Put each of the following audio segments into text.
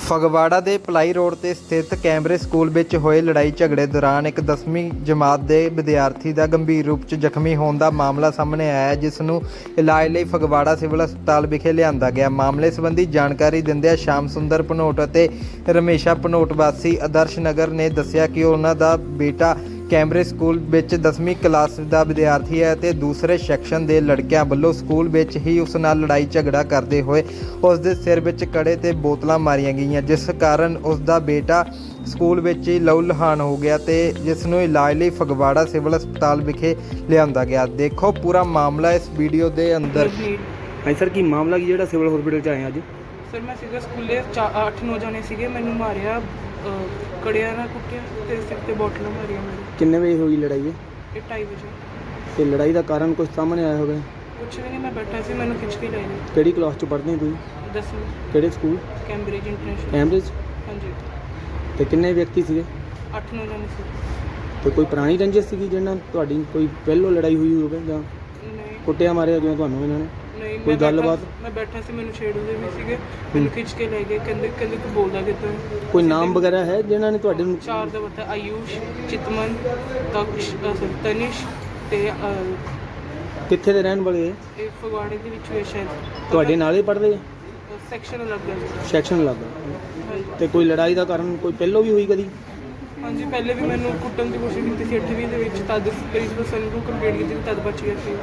ਫਗਵਾੜਾ ਦੇ ਭਲਾਈ ਰੋਡ ਤੇ ਸਥਿਤ ਕੈਂਬਰਿਜ ਸਕੂਲ ਵਿੱਚ ਹੋਏ ਲੜਾਈ ਝਗੜੇ ਦੌਰਾਨ ਇੱਕ 10ਵੀਂ ਜਮਾਤ ਦੇ ਵਿਦਿਆਰਥੀ ਦਾ ਗੰਭੀਰ ਰੂਪ 'ਚ ਜ਼ਖਮੀ ਹੋਣ ਦਾ ਮਾਮਲਾ ਸਾਹਮਣੇ ਆਇਆ ਹੈ, ਜਿਸ ਨੂੰ ਇਲਾਜ ਲਈ ਫਗਵਾੜਾ ਸਿਵਲ ਹਸਪਤਾਲ ਵਿਖੇ ਲਿਆਂਦਾ ਗਿਆ। ਮਾਮਲੇ ਸੰਬੰਧੀ ਜਾਣਕਾਰੀ ਦਿੰਦਿਆਂ ਸ਼ਾਮ ਸੁੰਦਰ ਭਨੋਟ ਅਤੇ ਰਮੇਸ਼ਾ ਭਨੋਟ ਵਾਸੀ ਆਦਰਸ਼ ਨਗਰ ਨੇ ਦੱਸਿਆ ਕਿ ਉਹਨਾਂ ਦਾ ਬੇਟਾ ਕੈਂਬਰਿਜ ਸਕੂਲ ਵਿੱਚ 10ਵੀਂ ਕਲਾਸ ਦਾ ਵਿਦਿਆਰਥੀ ਹੈ ਅਤੇ ਦੂਸਰੇ ਸੈਕਸ਼ਨ ਦੇ ਲੜਕਿਆਂ ਵੱਲੋਂ ਸਕੂਲ ਵਿੱਚ ਹੀ ਉਸ ਨਾਲ ਲੜਾਈ ਝਗੜਾ ਕਰਦੇ ਹੋਏ ਉਸ ਦੇ ਸਿਰ ਵਿੱਚ ਕੜੇ ਤੇ ਬੋਤਲਾਂ ਮਾਰੀਆਂ ਗਈਆਂ, ਜਿਸ ਕਾਰਨ ਉਸ ਦਾ ਬੇਟਾ ਸਕੂਲ ਵਿੱਚ ਹੀ ਲਹੂ ਲੁਹਾਨ ਹੋ ਗਿਆ ਤੇ ਜਿਸ ਨੂੰ ਇਲਾਜ ਲਈ ਫਗਵਾੜਾ ਸਿਵਲ ਹਸਪਤਾਲ ਵਿਖੇ ਲਿਆਂਦਾ ਗਿਆ। ਦੇਖੋ ਪੂਰਾ ਮਾਮਲਾ ਇਸ ਵੀਡੀਓ ਦੇ ਅੰਦਰ। ਹਾਂਜੀ ਸਰ, ਕੀ ਮਾਮਲਾ ਕੀ ਜਿਹੜਾ ਸਿਵਲ ਹਸਪੀਟਲ 'ਚ ਆਏ ਅੱਜ? ਸਰ ਮੈਂ ਸੀਗਾ ਸਕੂਲੇ 8-9 ਜਾਣੇ ਸੀਗੇ, ਮੈਨੂੰ ਮਾਰਿਆ, ਕੜਿਆਂ ਨਾਲ ਕੁੱਟਿਆ ਤੇ ਸਿਰ ਤੇ ਬੋਟਲਾਂ ਮਾਰੀਆਂ ਮੇਰੇ। ਕਿੰਨੇ ਵਜੇ ਹੋਈ ਲੜਾਈ ਹੈ? ਇਹ 2:30 ਵਜੇ। ਤੇ ਲੜਾਈ ਦਾ ਕਾਰਨ ਕੁਝ ਸਾਹਮਣੇ ਆਇਆ ਹੋਵੇ? ਕੁਛ ਵੀ ਨਹੀਂ, ਮੈਂ ਬੈਠਾ ਸੀ, ਮੈਨੂੰ ਖਿੱਚ ਕੇ ਲੈ ਗਏ। ਕਿਹੜੀ ਕਲਾਸ 'ਚ ਪੜ੍ਹਦੇ ਹੋ ਤੁਸੀਂ? 10ਵੀਂ ਕਿਹੜੇ ਸਕੂਲ? Cambridge international. ਕੈਂਬਰਿਜ। ਹਾਂਜੀ। ਤੇ ਕਿੰਨੇ ਵਿਅਕਤੀ ਸੀਗੇ? 8-9 ਜਾਣੇ ਸੀ। ਤੇ ਕੋਈ ਪੁਰਾਣੀ ਰੰਜਿਸ਼ ਸੀਗੀ ਜਿਹਦੇ ਨਾਲ ਤੁਹਾਡੀ ਕੋਈ ਪਹਿਲੋਂ ਲੜਾਈ ਹੋਈ ਹੋਵੇ ਜਾਂ ਨਹੀਂ ਕੁੱਟਿਆ ਮਾਰਿਆ ਜਿਵੇਂ ਤੁਹਾਨੂੰ ਇਹਨਾਂ ਨੇ? ਨਹੀਂ, ਕੋਈ ਗੱਲਬਾਤ? ਮੈਂ ਬੈਠਾ ਸੀ, ਮੈਨੂੰ ਛੇੜਦੇ ਵੀ ਸੀਗੇ, ਮੈਨੂੰ ਖਿੱਚ ਕੇ ਲੈ ਗਏ। ਕਹਿੰਦੇ ਤੂੰ ਬੋਲਦਾ ਕਿੱਦਾਂ? ਕੋਈ ਨਾਮ ਵਗੈਰਾ ਹੈ ਜਿਨ੍ਹਾਂ ਨੇ ਤੁਹਾਡੇ ਨੂੰ? 4 ਦਾ ਪਤਾ, ਆਯੂਸ਼, ਚਿਤਮਨ, ਤਨਿਸ਼ ਤੇ ਕਿੱਥੇ ਦੇ ਰਹਿਣ ਵਾਲੇ ਹੈ? ਇਹ ਫਗਵਾੜੇ ਦੇ ਵਿੱਚ ਹੋਇਆ ਸ਼ਾਇਦ। ਤੁਹਾਡੇ ਨਾਲ ਹੀ ਪੜ੍ਹਦੇ ਆ? ਸੈਕਸ਼ਨ ਅਲੱਗ ਹੈ। ਸੈਕਸ਼ਨ ਲੱਗਾ। ਹਾਂਜੀ। ਤੇ ਕੋਈ ਲੜਾਈ ਦਾ ਕਾਰਨ ਕੋਈ ਪਹਿਲੋਂ ਵੀ ਹੋਈ ਕਦੀ? ਹਾਂਜੀ, ਪਹਿਲੇ ਵੀ ਮੈਨੂੰ ਕੁੱਟਣ ਦੀ ਕੋਸ਼ਿਸ਼ ਕੀਤੀ ਸੀ 8ਵੀਂ ਦੇ ਵਿੱਚ, ਤਦ ਪ੍ਰਿੰਸੀਪਲ ਸਰ ਨੂੰ ਕੰਪਲੇਂਟ ਕੀਤੀ, ਤਦ ਬਚ ਗਿਆ ਸੀ।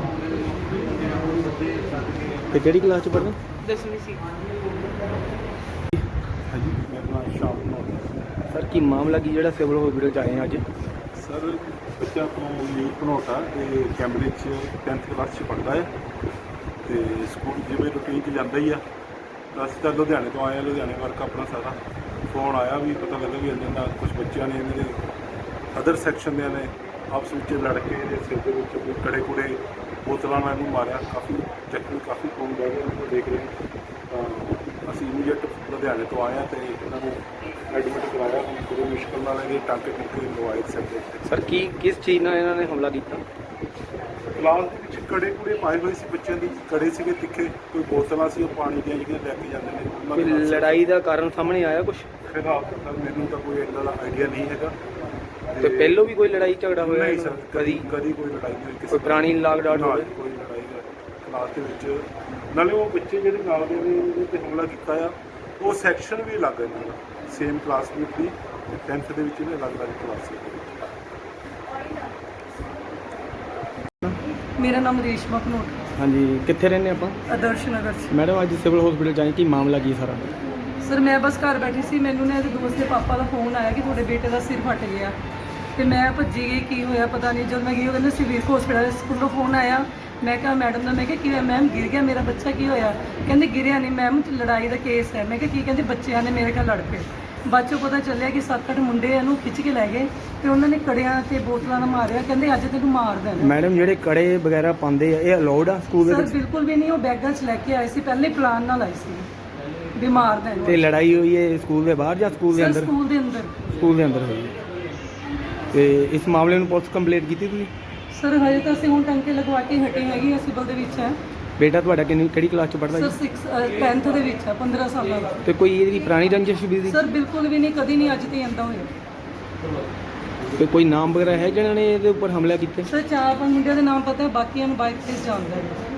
ਤੇ ਕਿਹੜੀ ਕਲਾਸ 'ਚ ਪੜ੍ਹਦੇ? 10ਵੀਂ ਸੀ। ਹਾਂਜੀ, ਮੇਰਾ ਨਾਮ ਸ਼ਾਮ ਭਨੋਟ। ਸਰ, ਕੀ ਮਾਮਲਾ ਕੀ ਜਿਹੜਾ ਸਿਵਲ ਹਸਪੀਟਲ 'ਚ ਆਏ ਅੱਜ? ਸਰ, ਬੱਚਾ ਤੋਂ ਲੀਡ ਭਨੋਟਾ ਤੇ ਕੈਂਬਰਿਜ 'ਚ 10th ਕਲਾਸ 'ਚ ਪੜ੍ਹਦਾ ਹੈ ਤੇ ਸਕੂਲ ਜਿਵੇਂ ਰੂਟੀਨ 'ਚ ਜਾਂਦਾ ਹੀ ਆ। ਅਸੀਂ ਤਾਂ ਲੁਧਿਆਣੇ ਤੋਂ ਆਏ ਹਾਂ, ਲੁਧਿਆਣੇ ਵਰਕ ਆਪਣਾ ਸਾਰਾ। ਫੋਨ ਆਇਆ ਵੀ ਪਤਾ ਲੱਗਾ ਵੀ ਇਹਨਾਂ ਦਾ ਕੁਝ ਬੱਚਿਆਂ ਨੇ, ਇਹਨਾਂ ਦੇ ਅਦਰ ਸੈਕਸ਼ਨ ਦੇ ਨੇ ਆਪਸ ਵਿੱਚ ਲੜ ਕੇ ਇਹਦੇ ਸਿਰ ਦੇ ਵਿੱਚ ਕੋਈ ਕੜੇ ਕੁੜੇ ਬੋਤਲਾਂ ਨਾਲ ਇਹਨੂੰ ਮਾਰਿਆ। ਕਾਫੀ ਜ਼ਖਮੀ, ਕਾਫੀ ਖੂਨ ਵਹਿ ਰਿਹਾ, ਉਹਨੂੰ ਦੇਖ ਰਹੇ ਤਾਂ ਅਸੀਂ ਇਮੀਡੀਏਟ ਲੁਧਿਆਣੇ ਤੋਂ ਆਏ ਹਾਂ ਤੇ ਇਹਨਾਂ ਨੂੰ ਐਡਮਿਟ ਕਰਾਇਆ। ਬੜੀ ਮੁਸ਼ਕਿਲ ਨਾਲ ਇਹਦੇ ਟਾਂਕੇ ਟੁੱਕੇ ਲਵਾਏ ਸਿਰ ਦੇ ਉੱਤੇ। ਸਰ, ਕਿਸ ਚੀਜ਼ ਨਾਲ ਇਹਨਾਂ ਨੇ ਹਮਲਾ ਕੀਤਾ? ਕਲਾਸ ਦੇ ਵਿੱਚ ਕੜੇ ਕੁੜੇ ਪਾਏ ਹੋਏ ਸੀ ਬੱਚਿਆਂ ਦੀ, ਕੜੇ ਸੀਗੇ ਤਿੱਖੇ, ਕੋਈ ਬੋਤਲਾਂ ਸੀ ਉਹ ਪਾਣੀ ਦੀਆਂ ਜਿਹੜੀਆਂ ਲੈ ਕੇ ਜਾਂਦੇ ਨੇ ਉਹਨਾਂ ਕੋਈ ਦੇ ਨਾਲ। ਲੜਾਈ ਦਾ ਕਾਰਨ ਸਾਹਮਣੇ ਆਇਆ ਕੁਝ? ਫਿਲਹਾਲ ਤਾਂ ਮੈਨੂੰ ਤਾਂ ਕੋਈ ਇੰਨਾ ਦਾ ਆਈਡੀਆ ਨਹੀਂ ਹੈਗਾ। ਤੇ ਪਹਿਲੋਂ ਵੀ ਕੋਈ ਲੜਾਈ ਝਗੜਾ ਹੋਇਆ? ਨਹੀਂ ਸਰ, ਕਦੀ ਕਦੀ ਕੋਈ ਲੜਾਈ ਨਹੀਂ ਹੋਈ ਕਿਸੇ ਕੋਈ ਪੁਰਾਣੀ ਲਾਗ ਡਾਟ ਨਾਲ, ਹੋਵੇ? ਕੋਈ ਲੜਾਈ ਦਾ ਕਲਾਸ ਦੇ ਵਿੱਚ। ਨਾਲੇ ਉਹ ਬੱਚੇ ਜਿਹੜੇ ਨਾਲ ਦੇ ਨੇ ਉਹਦੇ ਤੇ ਹਮਲਾ ਕੀਤਾ ਆ, ਉਹ ਸੈਕਸ਼ਨ ਵੀ ਅਲੱਗ ਹੈ ਇਹਨਾਂ ਦਾ, ਸੇਮ ਕਲਾਸਮੇਟ ਦੀ 10th ਦੇ ਵਿੱਚ ਇਹਨੇ ਅਲੱਗ-ਅਲੱਗ ਕਲਾਸ ਸੀ। ਮੇਰਾ ਨਾਮ ਰੇਸ਼ਮਾ ਭਨੋਟ। ਹਾਂਜੀ, ਕਿੱਥੇ ਰਹਿੰਦੇ ਆਪਾਂ? ਆਦਰਸ਼ ਨਗਰ 'ਚ। ਮੈਡਮ, ਅੱਜ ਸਿਵਲ ਹਸਪੀਟਲ 'ਚ ਆਏ, ਕੀ ਮਾਮਲਾ ਕੀ ਸਾਰਾ? ਸਰ ਮੈਂ ਬਸ ਘਰ ਬੈਠੀ ਸੀ, ਮੈਨੂੰ ਨਾ ਇਹਦੇ ਦੋਸਤ ਦੇ ਪਾਪਾ ਦਾ ਫੋਨ ਆਇਆ ਕਿ ਤੁਹਾਡੇ ਬੇਟੇ ਦਾ ਸਿਰ ਫਟ ਗਿਆ ਤੇ ਮੈਂ ਭੱਜੀ ਗਈ, ਕੀ ਹੋਇਆ ਪਤਾ ਨਹੀਂ। ਜਦ ਮੈਂ ਗਈ ਉਹ ਕਹਿੰਦੇ ਸਿਵਲ ਹਸਪੀਟਲ ਸਕੂਲੋਂ ਫੋਨ ਆਇਆ। ਮੈਂ ਕਿਹਾ ਮੈਡਮ ਦਾ, ਮੈਂ ਕਿਹਾ ਕੀ ਹੋਇਆ ਮੈਮ? ਗਿਰ ਗਿਆ ਮੇਰਾ ਬੱਚਾ। ਕੀ ਹੋਇਆ? ਕਹਿੰਦੇ ਗਿਰਿਆ ਨਹੀਂ ਮੈਮ, ਲੜਾਈ ਦਾ ਕੇਸ ਹੈ। ਮੈਂ ਕਿਹਾ ਕੀ? ਕਹਿੰਦੇ ਬੱਚਿਆਂ ਨੇ ਮੇਰੇ ਨਾਲ ਲੜ ਪਏ। ਬਾਅਦ 'ਚੋਂ ਪਤਾ ਚੱਲਿਆ ਕਿ 7-8 ਮੁੰਡੇ ਇਹਨੂੰ ਖਿੱਚ ਕੇ ਲੈ ਗਏ ਤੇ ਉਹਨਾਂ ਨੇ ਕੜਿਆਂ ਤੇ ਬੋਤਲਾਂ ਨਾਲ ਮਾਰਿਆ। ਕਹਿੰਦੇ ਅੱਜ ਤੈਨੂੰ ਮਾਰ ਦੇਣਾ। ਮੈਡਮ, ਜਿਹੜੇ ਕੜੇ ਵਗੈਰਾ ਪਾਉਂਦੇ ਆ, ਇਹ ਅਲਾਉਡ ਆ ਸਕੂਲ ਦੇ ਸਰ ਵਿੱਚ? ਬਿਲਕੁਲ ਵੀ ਨਹੀਂ, ਉਹ ਬੈਗਾਂ 'ਚ ਲੈ ਕੇ ਆਏ ਸੀ, ਪਹਿਲੇ ਪਲਾਨ ਨਾਲ ਆਏ ਸੀ ਵੀ ਮਾਰ ਦੇਣ। ਤੇ ਲੜਾਈ ਹੋਈ ਹੈ ਸਕੂਲ ਦੇ ਬਾਹਰ ਜਾਂ ਸਕੂਲ ਦੇ ਸਰ ਅੰਦਰ? ਸਕੂਲ ਦੇ ਅੰਦਰ। ਸਕੂਲ ਦੇ ਅੰਦਰ ਹੋਈ ਹੈ। ਤੇ ਇਸ ਮਾਮਲੇ ਨੂੰ ਪੁਲਿਸ ਕੰਪਲੇਂਟ ਕੀਤੀ ਤੁਸੀਂ? ਸਰ ਹਜੇ ਤਾਂ ਅਸੀਂ ਹੁਣ ਟੰਕੇ ਲਗਵਾ ਕੇ ਹਟੇ ਹੈਗੇ, ਅਸੀਂ ਸਿਵਲ ਦੇ ਵਿੱਚ ਹੈ। ਬੇਟਾ ਤੁਹਾਡਾ ਕਿਹੜੀ ਕਲਾਸ 'ਚ ਪੜ੍ਹਦਾ ਸਰ ਜੀ? 10th ਦੇ ਵਿੱਚ ਹੈ, 15 ਸਾਲਾਂ ਦਾ। ਤੇ ਕੋਈ ਇਹਦੀ ਪੁਰਾਣੀ ਰੰਜਿਸ਼ ਵੀ ਸੀ? ਸਰ ਬਿਲਕੁਲ ਵੀ ਨਹੀਂ, ਕਦੀ ਨਹੀਂ, ਅੱਜ ਤੇ ਆਂਦਾ ਹੋਇਆ। ਤੇ ਕੋਈ ਨਾਮ ਵਗੈਰਾ ਹੈ ਜਿਹਨਾਂ ਨੇ ਇਹਦੇ ਉੱਪਰ ਹਮਲਾ ਕੀਤਾ? ਸਰ 4-5 ਮੁੰਡਿਆਂ ਦੇ ਨਾਮ ਪਤਾ ਹੈ, ਬਾਕੀਆਂ ਨੂੰ ਬਾਈਕ ਤੇ ਜਾਣਦਾ ਹੈ।